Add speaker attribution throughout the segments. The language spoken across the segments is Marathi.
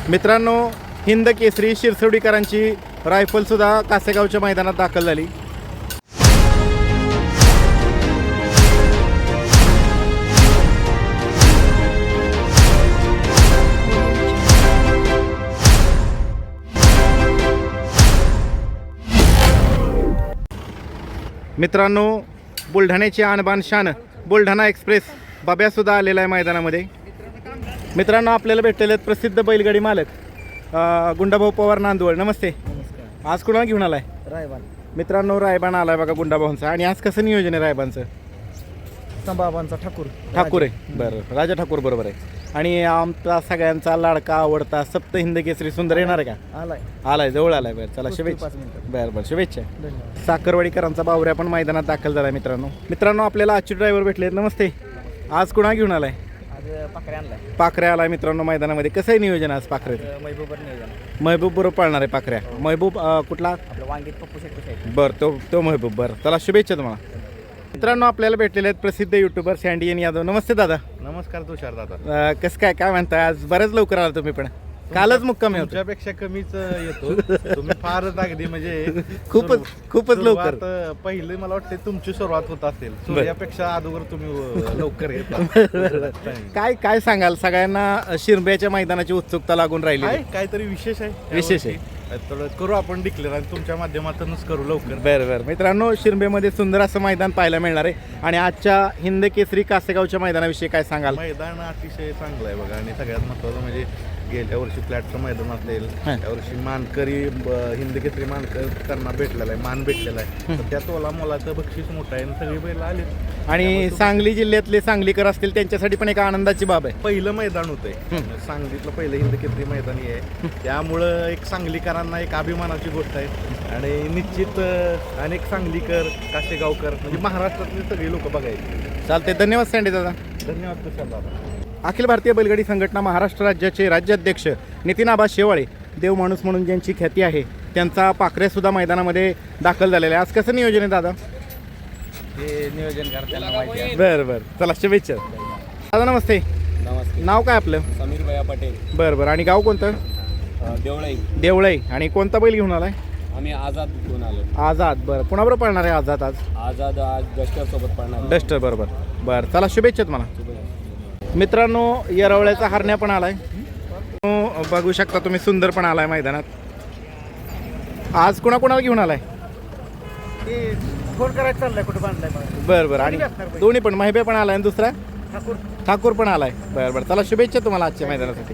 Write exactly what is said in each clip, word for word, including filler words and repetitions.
Speaker 1: मित्रांनो, हिंद केसरी शिरसवडीकरांची रायफलसुद्धा कासेगावच्या मैदानात दाखल झाली. मित्रांनो, बुलढाण्याची आणबान शान बुलढाणा एक्सप्रेस बाब्यासुद्धा आलेला आहे मैदानामध्ये. मित्रांनो, आपल्याला भेटलेले आहेत प्रसिद्ध बैलगाडी मालक अ, गुंडाभाऊ पवार नांदवळ. नमस्ते.
Speaker 2: नमस्कार.
Speaker 1: आज कुणाला घेऊन आलाय?
Speaker 2: रायबान.
Speaker 1: मित्रांनो, रायबान आलाय बघा गुंडाभाऊंचा. आणि आज कसं नियोजन आहे रायबांचं?
Speaker 2: संभाबांचा ठाकूर.
Speaker 1: ठाकूर आहे. बरं, राजा ठाकूर बरोबर आहे. आणि आमचा सगळ्यांचा लाडका आवडता सप्त हिंद केसरी सुंदर येणार आहे का?
Speaker 2: आलाय
Speaker 1: आलाय, जवळ आलाय. बरं, चला शुभेच्छा.
Speaker 2: पाच मिनिटं.
Speaker 1: बरं बरं, शुभेच्छा.
Speaker 2: धन्यवाद.
Speaker 1: साखरवाडीकरांचा बावऱ्या पण मैदानात दाखल झाला. मित्रांनो मित्रांनो आपल्याला आजचे ड्रायव्हर भेटले. नमस्ते. आज कुणा घेऊन आलाय?
Speaker 2: आज पाकरे आणलाय.
Speaker 1: पाखऱ्या आलाय. मित्रांनो मैदानामध्ये कसं आहे नियोजन आज पाखऱ्याचं?
Speaker 2: महबूबर नियोजन.
Speaker 1: महबूब बरोबर पाळणार आहे पाखऱ्या. महबूब अं, कुठला?
Speaker 2: आपलं वांगीत पप्पू शेट्टी साहेब.
Speaker 1: बरं, तो तो महबूब. बरं, चला शुभेच्छा तुम्हाला. मित्रांनो, आपल्याला भेटलेले आहेत प्रसिद्ध युट्यूबर सँडियन यादव. नमस्ते दादा.
Speaker 3: नमस्कार तुषार दादा.
Speaker 1: अं, कसं काय काय म्हणताय? आज बरेच लवकर आला तुम्ही पण. कालच मुक्कामी होतो.
Speaker 3: तुमच्यापेक्षा कमीच येतो तुम्ही फारच अगदी म्हणजे
Speaker 1: खूपच खूपच लवकर.
Speaker 3: सुरुवात, पहिली मला वाटते तुमची सुरुवात होत असेल. सूर्यापेक्षा अगोदर तुम्ही अ, लवकर येता.
Speaker 1: काय काय सांगाल? सगळ्यांना शिरब्याच्या मैदानाची उत्सुकता लागून राहिली.
Speaker 3: काय काहीतरी विशेष आहे.
Speaker 1: विशेष आहे.
Speaker 3: यावर्षी. थोडं करू आपण डिक्लेअर आणि तुमच्या माध्यमातूनच करू लवकर.
Speaker 1: बरं बरं. मित्रांनो, शिरबेमध्ये सुंदर असं मैदान पाहायला मिळणार आहे. आणि आजच्या हिंद केसरी कासेगावच्या मैदानाविषयी काय सांगाल?
Speaker 3: मैदान अतिशय चांगलं आहे बघा. आणि सगळ्यात महत्त्वाचं म्हणजे गेल्या वर्षी फ्लॅटचं मैदान असेल,
Speaker 1: हां.
Speaker 3: यावर्षी मानकरी ब- हिंद केसरी मानकर त्यांना भेटलेला आहे, मान भेटलेला आहे. तर त्या तोला मोलाचं बक्षीस मोठं आहे आणि सगळी बैल आली.
Speaker 1: आणि सांगली जिल्ह्यातले सांगलीकर असतील त्यांच्यासाठी पण एक आनंदाची बाब आहे.
Speaker 3: पहिलं मैदान होतंय
Speaker 1: हं.
Speaker 3: सांगलीतलं पहिलं हिंद केसरी मैदान हे आहे. त्यामुळं एक सांगलीकरांना एक अभिमानाची गोष्ट आहे. आणि निश्चित अं, अनेक सांगलीकर, काशेगावकर म्हणजे महाराष्ट्रातले सगळे लोक बघायचे.
Speaker 1: चालते. धन्यवाद सँडी दादा.
Speaker 3: धन्यवाद तुषार दादा.
Speaker 1: अखिल भारतीय बैलगाडी संघटना महाराष्ट्र राज्याचे राज्याध्यक्ष नितीन आबा शेवाळे, देव माणूस म्हणून ज्यांची ख्याती आहे, त्यांचा पाखरेसुद्धा मैदानामध्ये दाखल झालेला आहे. आज कसं नियोजन आहे दादा?
Speaker 2: ते नियोजन करताना माहिती आहे.
Speaker 1: बरं बरं, चला शुभेच्छा. दादा नमस्ते.
Speaker 2: नमस्ते.
Speaker 1: नाव काय आपलं?
Speaker 2: समीर भैया पटेल.
Speaker 1: बरं बरं. आणि गाव कोणतं?
Speaker 2: देवळाई.
Speaker 1: देवळाई. आणि कोणता बैल घेऊन आलाय?
Speaker 2: आम्ही आझाद घेऊन आलो.
Speaker 1: आझाद. बरं, कुणाबरोबर पळणार आहे आझाद आज?
Speaker 2: आझाद आज डस्टर सोबत पडणार.
Speaker 1: डस्टर बरोबर. बरं, चला शुभेच्छा तुम्हाला. मित्रांनो, येरवळ्याचा हरण्या पण आलाय. तो बघू शकता तुम्ही, सुंदर पण आलाय मैदानात. आज कुणाकुणाला घेऊन आलाय?
Speaker 2: ते फोन करायचं चाललंय कुठे बांधलाय मला.
Speaker 1: बरं बरं. आणि दोन्ही पण, महिबे पण आलाय आणि दुसरा
Speaker 2: ठाकूर.
Speaker 1: ठाकूर पण आलाय. बरं बरं, चला शुभेच्छा तुम्हाला आजच्या मैदानासाठी.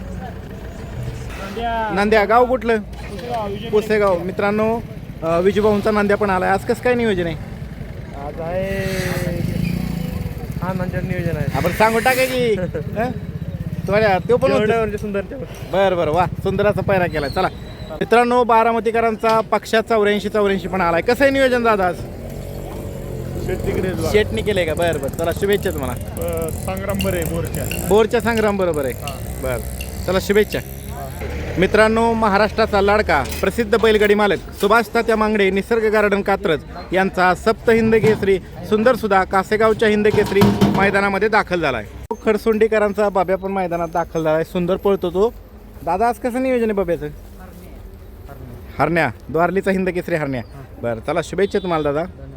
Speaker 1: नांद्या. गाव कुठलं? पुसेगाव. मित्रांनो, अं, विजूभाऊंचा नांद्या पण आलाय. आज कसं काय नियोजन आहे?
Speaker 2: आज आहे आनंदचं नियोजन आहे.
Speaker 1: आपण सांगू टाका की हं? थोड्या तो पण होतं.
Speaker 2: म्हणजे सुंदर.
Speaker 1: बरं बरं, वा, सुंदर असा पैरा केलाय. चला मित्रांनो, बारामतीकरांचा पक्षा चौऱ्याऐंशी चौऱ्याऐंशी पण आलाय. कसं आहे नियोजन दादा आज? शेटनी केलंय का? बरं बरं, चला शुभेच्छा तुम्हाला.
Speaker 3: संग्राम बरे बोरच्या
Speaker 1: बोरच्या संग्राम बरोबर आहे. बरं, चला शुभेच्छा. मित्रांनो, महाराष्ट्राचा लाडका प्रसिद्ध बैलगाडी मालक सुभाष तात्या मांगडे, निसर्ग गार्डन कात्रज यांचा सप्त हिंद केसरी सुंदर सुद्धा कासेगावच्या हिंद केसरी मैदानामध्ये दाखल झाला आहे. खडसोंडीकरांचा बाब्या पण मैदानात दाखल झाला आहे. सुंदर पळतो तो. दादा आज कसं नियोजन आहे बाब्याचं? हरण्या. द्वारलीचा हिंद केसरी हरण्या. बरं, चला शुभेच्छा तुम्हाला दादा.